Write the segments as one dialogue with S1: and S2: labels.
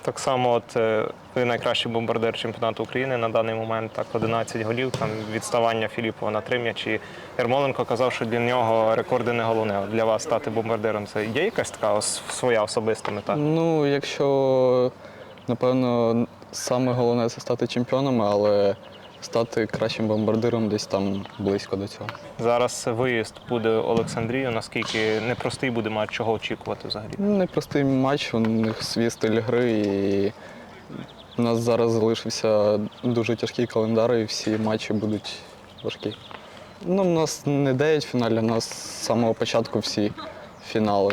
S1: Так само, ви найкращий бомбардир чемпіонату України на даний момент, так 11 голів, там відставання Філіппова на 3 м'ячі. Ярмоленко казав, що для нього рекорди не головне. Для вас стати бомбардиром, це є якась така своя особиста мета?
S2: Ну, якщо, напевно, саме головне це стати чемпіоном, але стати кращим бомбардиром десь там близько до цього.
S1: Зараз виїзд буде Олександрію. Наскільки непростий буде матч, чого очікувати взагалі?
S2: Непростий матч, у них свій стиль гри, і у нас зараз залишився дуже тяжкий календар, і всі матчі будуть важкі. Ну, у нас не 9 фіналів, у нас з самого початку всі фінали.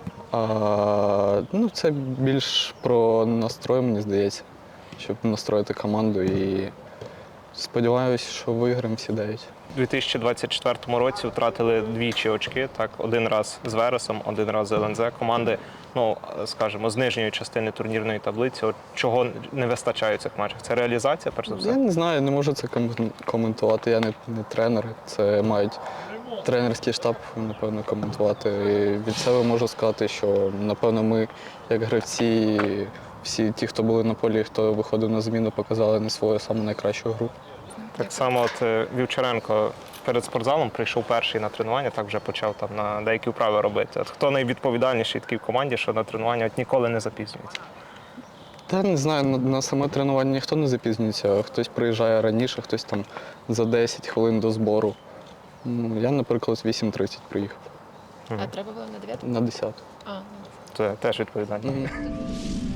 S2: Ну, це більш про настрой, мені здається, щоб настроїти команду. І сподіваюся, що виграємо всі 9.
S1: У 2024 році втратили двічі очки. Так, один раз з Вересом, один раз з ЛНЗ. Команди, ну, скажімо, з нижньої частини турнірної таблиці. От чого не вистачає в цих матчах? Це реалізація, перш за все?
S2: Я не знаю, не можу це коментувати. Я не тренер. Це мають тренерський штаб, напевно, коментувати. І від себе можу сказати, що, напевно, ми, як гравці, всі ті, хто були на полі, хто виходив на зміну, показали не свою саму найкращу гру.
S1: Так само Вівчаренко перед спортзалом прийшов перший на тренування, так вже почав там на деякі вправи робити. От хто найвідповідальніший такий в команді, що на тренування ніколи не запізнюється?
S2: Та не знаю, на саме тренування ніхто не запізнюється. Хтось приїжджає раніше, хтось там за 10 хвилин до збору. Я, наприклад, з 8:30 приїхав.
S3: А треба було на 9?
S2: На 10.
S3: А, ну.
S1: Це теж відповідальність.